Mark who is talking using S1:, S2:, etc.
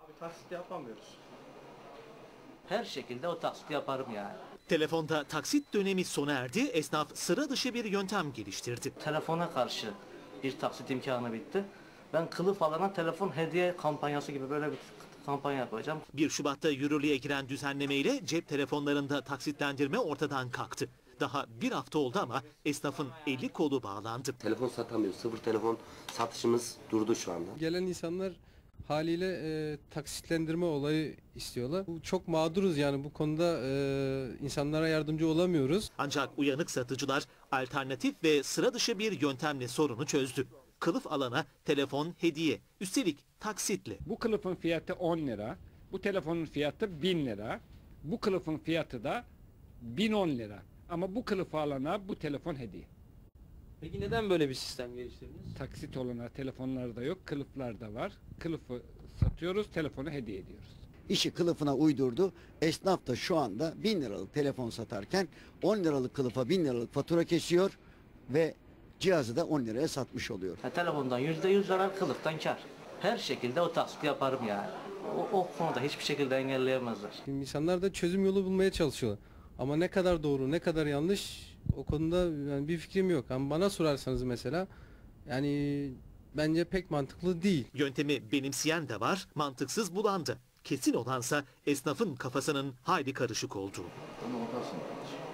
S1: Taksit yapamıyoruz.
S2: Her şekilde o taksiti yaparım yani.
S3: Telefonda taksit dönemi sona erdi, esnaf sıra dışı bir yöntem geliştirdi.
S2: Telefona karşı bir taksit imkanı bitti. Ben kılıf alana telefon hediye kampanyası gibi böyle bir kampanya yapacağım.
S3: 1 Şubat'ta yürürlüğe giren düzenlemeyle cep telefonlarında taksitlendirme ortadan kalktı. Daha bir hafta oldu ama esnafın eli kolu bağlandı.
S4: Telefon satamıyoruz. Sıfır telefon satışımız durdu şu anda.
S5: Gelen insanlar haliyle taksitlendirme olayı istiyorlar. Çok mağduruz yani bu konuda insanlara yardımcı olamıyoruz.
S3: Ancak uyanık satıcılar alternatif ve sıra dışı bir yöntemle sorunu çözdü. Kılıf alana telefon hediye, üstelik taksitle.
S6: Bu kılıfın fiyatı 10 lira, bu telefonun fiyatı 1000 lira, bu kılıfın fiyatı da 1010 lira. Ama bu kılıfı alana bu telefon hediye.
S1: Peki neden böyle bir sistem geliştirdiniz?
S6: Taksit olana telefonlarda yok, kılıflarda var. Kılıfı satıyoruz, telefonu hediye ediyoruz.
S7: İşi kılıfına uydurdu. Esnaf da şu anda 1000 liralık telefon satarken 10 liralık kılıfa 1000 liralık fatura kesiyor ve cihazı da 10 liraya satmış oluyor.
S2: Telefondan %100 zarar, kılıftan kar. Her şekilde o taksiti yaparım yani. O konuda hiçbir şekilde engelleyemezler.
S5: Şimdi insanlar da çözüm yolu bulmaya çalışıyorlar. Ama ne kadar doğru, ne kadar yanlış o konuda yani bir fikrim yok. Ama bana sorarsanız mesela yani bence pek mantıklı değil.
S3: Yöntemi benimseyen de var, mantıksız bulan da. Kesin olansa esnafın kafasının hayli karışık olduğu.
S2: Onu ortasın.